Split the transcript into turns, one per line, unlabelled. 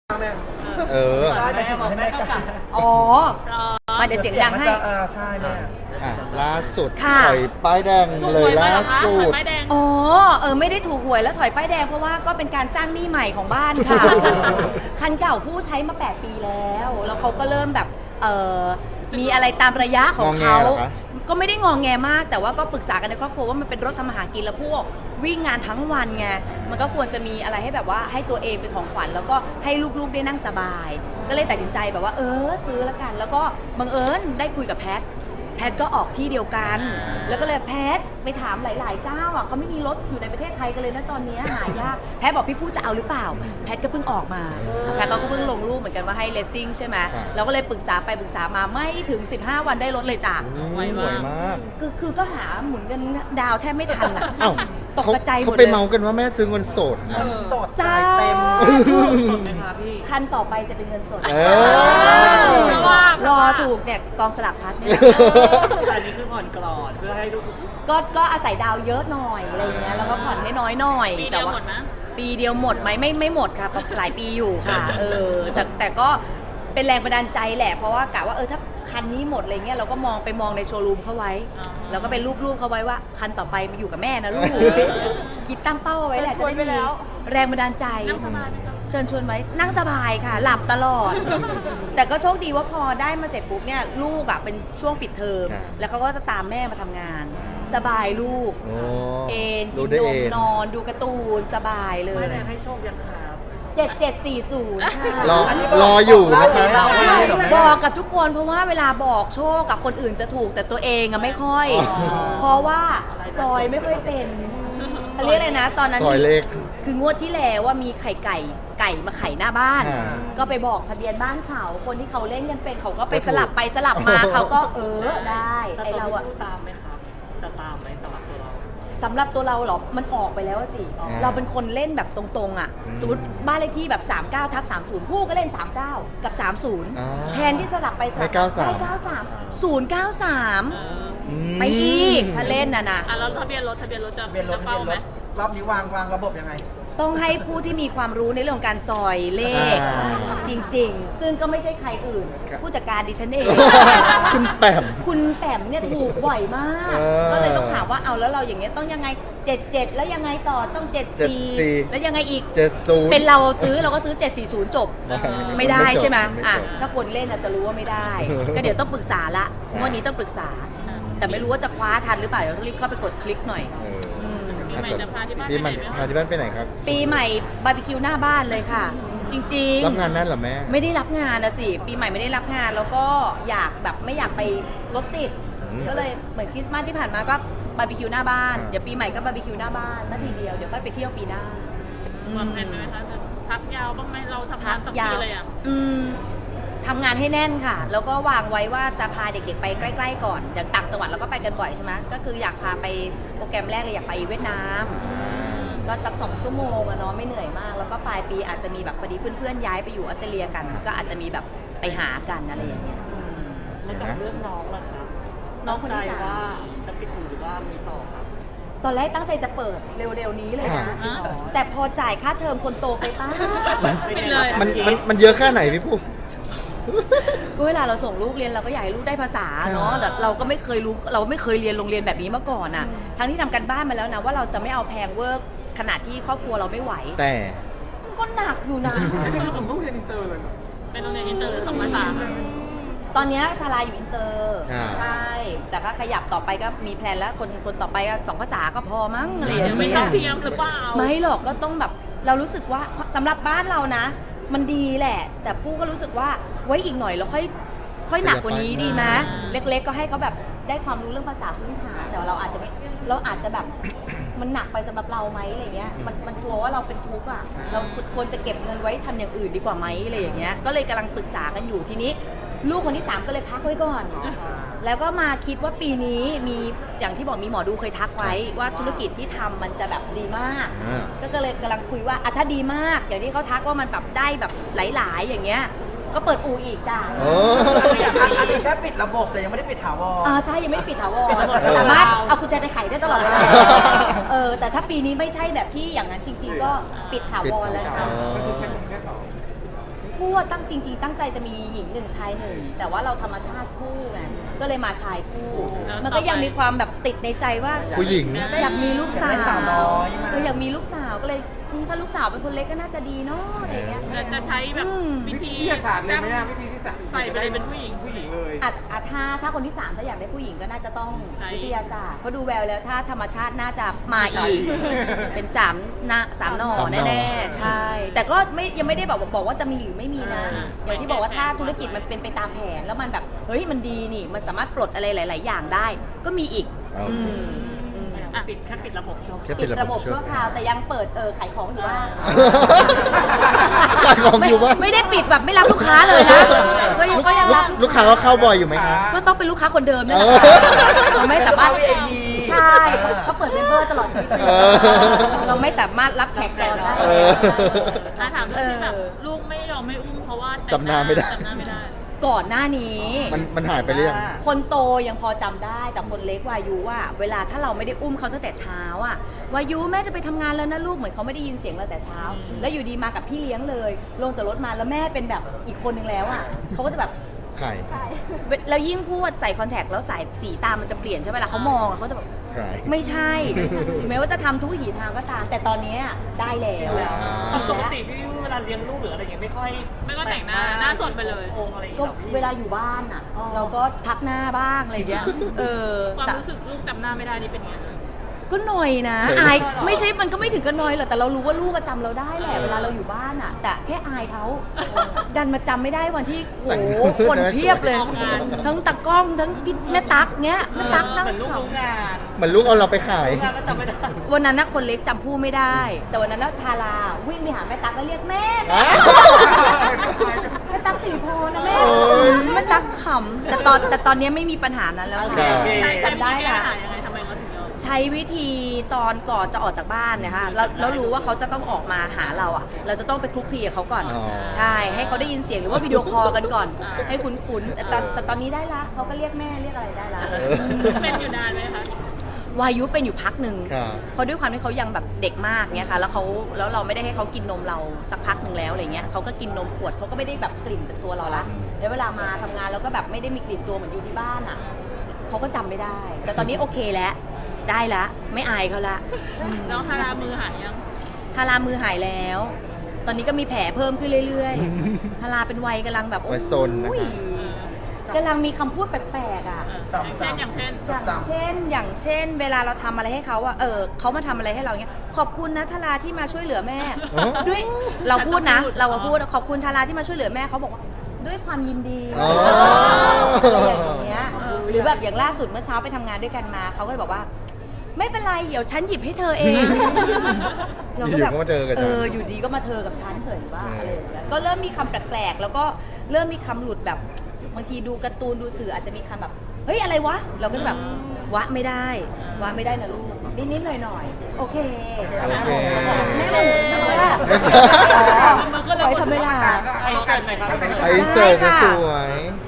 แม่
ใช่
แต่ถึงให้แม่กัด
อ๋อมาเดี๋ยวเสียงดังให้
ใช่แม่
ล่าสุด
ค่ะ
ถอยป้ายแดงเลยล่าสุด
อ๋อไม่ได้ถูกหวยแล้วถอยป้ายแดงเพราะว่าก็เป็นการสร้างหนี้ใหม่ของบ้านค่ะ คันเก่าผู้ใช้มา8 ปีแล้วเขาก็เริ่มแบบมีอะไรตามระยะของเขาก็ไม่ได้งองแงมากแต่ว่าก็ปรึกษากันในครอบครัวว่ามันเป็นรถทำมาหากินแล้วพวกวิ่งงานทั้งวันไงมันก็ควรจะมีอะไรให้แบบว่าให้ตัวเองเป็นของขวัญแล้วก็ให้ลูกๆได้นั่งสบายก็เลยตัดสินใจแบบว่าซื้อละกันแล้วก็บังเอิญได้คุยกับแพทก็ออกที่เดียวกันแล้วก็เลยแพทไปถามหลายๆเจ้าอ่ะเขาไม่มีรถอยู่ในประเทศไทยกันเลยนะตอนนี้หายากแพทบอกพี่ผู้จะเอาหรือเปล่าแพทก็เพิ่งออกมาแพทก็เพิ่งลงรูปเหมือนกันว่าให้เลสซิ่งใช่ไหมเราก็เลยปรึกษาไปปรึกษามาไม่ถึง15 วันได้รถเลยจ้ะ
ไวมาก
คือก็หาหมุนเงินดาวแทบไม่ทันอ่ะตกใจหมดเลย
เขาไปเมากันว่าแม่ซื้อเงินสดนะ
สดเต็ม
คันต่อไปจะเป็นเงินสดรอถูกเนี่ยกองสลากพัดเนี่ย
อันนี้คือผ่อนกรอดเพื่อให้ลูก
ก็อาศัยดาวเยอะหน่อยอะไรเงี้ยแล้วก็ผ่อนให้น้อยหน่อยแต่ว่าปีเดียวหมดไหมไม่หมดค่ะหลายปีอยู่ค่ะแต่ก็เป็นแรงบันดาลใจแหละเพราะว่ากะว่าถ้าคันนี้หมดอะไรเงี้ยเราก็มองในโชว์รูมเขาไว้แล้วก็เป็นรูปเขาไว้ว่าคันต่อไปมาอยู่กับแม่นะลูกคิดตั้งเป้าไว้แหละจะได้มีแรงบันดาลใจเชิญชวนไว้นั่งสบายค่ะหลับตลอดแต่ก็โชคดีว่าพอได้มาเสร็จปุ๊บเนี่ยลูกอ่ะเป็นช่วงปิดเทอมแล้วเขาก็จะตามแม่มาทำงานสบายลูกกินนมนอนดูการ์ตูนสบายเลย
ไม่ได้ให้โชคยังครับ
7740ค่ะ
รออยู่นะคะ
บอกกับทุกคนเพราะว่าเวลาบอกโชคกับคนอื่นจะถูกแต่ตัวเองอะไม่ค่อยเพราะว่าซอยไม่ค่อยเป็นเขาเรียกอะไรนะตอนนั้น
ซอยเลข
คืองวดที่แล้วว่ามีไก่มาไข่หน้าบ้านก็ไปบอกทะเบียนบ้านเขาคนที่เขาเล่นกันเป็นเขาก็ไปสลับไปสลับมาเขาก็ได้ไอเราอะ
ตามไหมครับจะตามไหม
สำหรับตัวเราเหรอมันออกไปแล้วสิเราเป็นคนเล่นแบบตรงๆอ่ะสมมติบ้านเลขที่แบบ39/30ผู้ก็เล่น39กับ30แทนที่สลับไปสลับ93 093ไปอีกถ้าเล่นนะ
แล้วทะเบียนรถจะเป้าไหม
รอบนี้วางระบบยังไง
ต้องให้ผู้ที่มีความรู้ในเรื่องของการซอยเลขจริงๆซึ่งก็ไม่ใช่ใครอื่นผู้จัดการดิฉันเอง
คุณแปม
เนี่ยถูกบ่อยมากก็เลยต้องถามว่าเอาแล้วเราอย่างเงี้ยต้องยังไง77แล้วยังไงต่อต้อง74แล้วยังไงอีก
70
เป็นเราซื้อเราก็ซื้อ740จบไม่ได้ใช่ไหมถ้าคนเล่นจะรู้ว่าไม่ได้ก็เดี๋ยวต้องปรึกษาละงวดนี้ต้องปรึกษาแต่ไม่รู้ว่าจะคว้าทันหรือเปล่าเดี๋ยวต้องรีบเข้าไปกดคลิกหน่อย
ปีใหม่จะพาที่บ้าน
พาที่บ้านไปไหนครับ
ปีใหม่บาร์บีคิวหน้าบ้านเลยค่ะจริง
ๆรับงานนั่นเหรอแม่
ไม่ได้รับงานนะสิปีใหม่ไม่ได้รับงานแล้วก็อยากแบบไม่อยากไปรถติดก็เลยเหมือนคริสต์มาสที่ผ่านมาก็บาร์บีคิวหน้าบ้านเดี๋ยวปีใหม่ก็บาร์บีคิวหน้าบ้านสักทีเดียวเดี๋ยวค่อยไปเที่ยวปีหน้าว
างแผนไหมคะจะพักยาวบ้างไหมเราทำงานตั้งปีเลย
ทำงานให้แน่นค่ะแล้วก็วางไว้ว่าจะพาเด็กๆไปใกล้ๆก่อนอย่างต่างจังหวัดเราก็ไปกันบ่อยใช่ไหมก็คืออยากพาไปโปรแกรมแรกเลยอยากไปเวียดนามก็สัก2 ชั่วโมงอะเนาะไม่เหนื่อยมากแล้วก็ปลายปีอาจจะมีแบบพอดีเพื่อนๆย้ายไปอยู่ออสเตรเลียกันก็อาจจะมีแบบไปหากันอะไรอย่างเงี้ย
แล้วกับเรื่องน้องล่ะครับน้องคนที่3ว่าจะปิดหรือว่ามีต่อครับ
ตอนแรกตั้งใจจะเปิดเร็วๆนี้เลยนะแต่พอจ่ายค่าเทอมคนโตไปป้า
มันเยอะแค่ไหนพี่ปุ๊
ก็เวลาเราส่งลูกเรียนเราก็อยากให้ลูกได้ภาษาเนาะแต่เราก็ไม่เคยรู้เราไม่เคยเรียนโรงเรียนแบบนี้มาก่อนอ่ะทั้งที่ทำกันบ้านมาแล้วนะว่าเราจะไม่เอาแพงเวิร์กขนาดที่ครอบครัวเราไม่ไหว
แต่
ก็หนักอยู่นะ
นี่คือส่งลูกเรียนอินเตอร์เลย
เป็นโรงเรียนอินเตอร์หรือ2 ภาษา
ตอนนี้ทาราอยู่อินเตอร์ใช่แต่ก็ขยับต่อไปก็มีแพลนแล้วคนต่อไปก็2 ภาษาก็พอมั้งอะไรอย่างเงี้ย
ไม่เท่าเทียมหรือเปล่า
ไม่หรอกก็ต้องแบบเรารู้สึกว่าสำหรับบ้านเรานะมันดีแหละแต่ผู้ก็รู้สึกว่าไว้อีกหน่อยเราค่อยหนักกว่านี้ดีไหมเล็กๆก็ให้เขาแบบได้ความรู้เรื่องภาษาพื้นฐานแต่เราอาจจะแบบมันหนักไปสำหรับเราไหมอะไรเงี้ยมันกลัวว่าเราเป็นทุกข์อ่ะเราควรจะเก็บเงินไว้ทำอย่างอื่นดีกว่าไหมอะไรอย่างเงี้ยก็เลยกำลังปรึกษากันอยู่ทีนี้ลูกคนที่3ก็เลยพักไว้ก่อนแล้วก็มาคิดว่าปีนี้มีอย่างที่บอกมีหมอดูเคยทักไว้ว่าธุรกิจที่ทำมันจะแบบดีมากก็เลยกำลังคุยว่าถ้าดีมากอย่างที่เขาทักว่ามันแบบได้แบบหลายๆอย่างเงี้ยก็เปิดอู่อีกจ้า
อันนี้แค่ปิดระบบแต่ยังไม่ได้ปิดถาวร
ใช่ยังไม่ได้ปิดถาวรสามารถเอากุญแจไปไขได้ตลอดเวลาแต่ถ้าปีนี้ไม่ใช่แบบที่อย่างนั้นจริงๆก็ปิดถาวรแล้วค่ะคู่ว่าจริงๆตั้งใจจะมีหญิงหนึ่งชายหนึ่งแต่ว่าเราธรรมชาติคู่ไงก็เลยมาชายคู่ มันก็ยังมีความแบบติดในใจว่า
ผู้หญิง
อยากมีลูกสา
อยากได้สาวน้อยมา
อยากมีลูกสาวก็เลยถ้าลูกสาวเป็นคนเล็กก็น่าจะดีเนาะอะไรเงี้ย
จะใช้แบบวิ
วิ
ธี
ทยาศาสตร์เลยไหมอะวิธีที่
ใส่ไปเลยเป็นผู้หญิง
ผู้หญิงเลย
ถ้าคนที่สามถ้าอยากได้ผู้หญิงก็น่าจะต้อง
ใช่
วิทยาศาสตร์เพราะดูแววแล้วถ้าธรรมชาติน่าจะมาอีก เป็นสามหน้าสามหน่อ
สามหน่อ
แน่ๆใช่แต่ก็ยังไม่ได้บอกว่าจะมีหรือไม่มีนะอย่างที่บอกว่าถ้าธุรกิจมันเป็นไปตามแผนแล้วมันแบบเฮ้ยมันดีนี่มันสามารถปลดอะไรหลาย ๆ อย่างได้ ก็มีอีก
เอา
อืม
แค่ปิดระบบชั่วค
แค่
ราว
ปิดระบบชั่วคราวแต่ยังเปิดขายของอยู่บ้าง
ขายของอยู่บ้าง
ไม่ได้ปิดแบบไม่รับลูกค้าเลยนะก็ยังรับ
ลูกค้าก็เข้าบ่อยอยู่ไหมคะ
ก็ต้องเป็นลูกค้าคนเดิมนั่นแหละเราไม่สามารถ
VIP
ใช่เขาเปิดเมมเบอร์ตลอดชีวิตเลย
เออ
เราไม่สามารถรับแขกจรได้
เออ
ถามเรื่องที่แบบลูกไม่ยอมไม่อุ้มเพราะว่า
จำหน้าไม่ได้
จำหน้าไม่ได้
ก่อนหน้านี้
มันหายไปเรื่อยง
คนโตยังพอจำได้แต่คนเล็กวายุว่าเวลาถ้าเราไม่ได้อุ้มเขาตั้งแต่เช้าอะวายุแม่จะไปทำงานแล้วนะลูกเหมือนเขาไม่ได้ยินเสียงเราแต่เช้า แล้วอยู่ดีมากับพี่เลี้ยงเลย ลงจากรถมาแล้วแม่เป็นแบบอีกคนนึงแล้วอะเขาก็จะแบบ
ไข่
แล้วยิ่งพูดใส่คอนแทคแล้วสายสีตามันจะเปลี่ยนใช่ไหมล่ะเขามองอะเขาจะแบบ
ไข่
ไม่ใช่ ถึงแม้ว่าจะทำทุกวิถีทางก็ตาม แต่ตอนนี้ได้แล้ว
ปกติพี่เวลาเลี้ยงลูกหรืออะไรอย่างเงี้ยไม่ค่อย
แต่งหน้าหน้าสดไปเลย
องค์อะไรอย่าง
ก็
เงี้ยหรอพี่
เวลาอยู่บ้านอ่ะ เราก็พักหน้าบ้างอะไรอย่างเงี้ย
ความ
สะ
รู้สึกลูกจำหน้าไม่ได้นี่เป็นไง
ก็หน่อยนะอายไม่ใช่มันก็ไม่ถึงกับหน่อยหรอกแต่เรารู้ว่าลูกก็จำเราได้แหละเวลาเราอยู่บ้านอ่ะ แต่แค่อายเขาดันมาจำไม่ได้วันที่โหคนเพียบเลย
ออกงาน
ทั้งตากล้องทั้งพี่แม่ตั๊กเงี้ยแม่ตั๊กนั่ง
เหมือนลูก
ขำ
รู้งาน
เหมือนลูกเอาเราไปขาย
รู้งานก็จำไม่ได้
วันนั้นนะคนเล็กจำผู้ไม่ได้ แต่วันนั้นแล้วทาราวิ่งไปหาแม่ตั๊กแล้วเรียกแม่แม่ตั๊กสิริพรนะแม่
โอ้ย
แม่ตั๊กขำแต่ตอนนี้ไม่มีปัญหานั้นแล้ว
โอ
ค่ะ
เค
ใช่
จำได้
แก้
ค่ะ
ปัญหายังไงทำไมเขาถึงยอม
ใช้วิธีตอนก่อนจะออกจากบ้านเนี่ยค่ะแล้วรู้ว่าเขาจะต้องออกมาหาเราอ่ะ เราจะต้องไปคลุกคลีกับเขาก่อน
อ๋อ
ใช่ให้เขาได้ยินเสียงหรือว่าวิดีโอคอลกันก่อน ให้คุ้นๆแต่ตอนนี้ได้ละเขาก็เรียกแม่เรียกอะไรได้ละ
เป็นอยู่นานไหมคะ
วายุเป็นอยู่พักหนึ่ง
ครับ
เพราะด้วยความที่เขายังแบบเด็กมากเนี่ยค่ะแล้วเราไม่ได้ให้เขากินนมเราสักพักหนึ่งแล้วอะไรเงี้ยเขาก็กินนมขวดเขาก็ไม่ได้แบบกลิ่นจากตัวเราละแล้วเวลามาทำงานเราก็แบบไม่ได้มีกลิ่นตัวเหมือนอยู่ที่บ้านอ่ะเขาก็จำไม่ได้ แต่ตอนนี้โอเคแล้วได้ละไม่อายเขาละ
น้องทารามือหายยัง
ทารามือหายแล้ว ตอนนี้ก็มีแผลเพิ่มขึ้นเรื่อยๆ ทาราเป็นวัยกำลังแบบ
วัยซนนะคะ
โอ้ยกำลังมีคำพูดแปลกๆอ่ะ
อย่างเช่น
อย่างเช่น เวลาเราทำอะไรให้เขาอะเขามาทำอะไรให้เราเงี้ย ขอบคุณนะทาราที่มาช่วยเหลือแม่
อ๋อ
ด้วยเราพูดนะ เราพูดขอบคุณทาราที่มาช่วยเหลือแม่เขาบอกว่าด้วยความยินดี
อ๋อ
อะไรอย่างเงี้ย หรือแบบอย่างล่าสุดเมื่อเช้าไปทำงานด้วยกันมาเขาก็เลยบอกว่า ไม่เป็นไรเดี๋ยวฉันหยิบให้เธอเอง เราก็แบบ
อยู่ๆก็มาเจอกับฉัน
อยู่ดีก็มาเธอกับฉันเฉยว่าอะไรอย่างเงี้ยก็เริ่มมีคำแปลกๆแล้วก็เริ่มมีคำหลุดแบบบางทีดูการ์ตูนดูสื่ออาจจะมีคำแบบเฮ้ยอะไรวะ เราก็จะแบบวะไม่ได้นะลูกนิดๆหน่อยๆโอเค
โอเค
แม่หมูนะ
ไม่ใช่
ปล่อยทำเวลา
ไอ้เกิดหน่อยครับ
ไอเสิร์ฟสวย
ส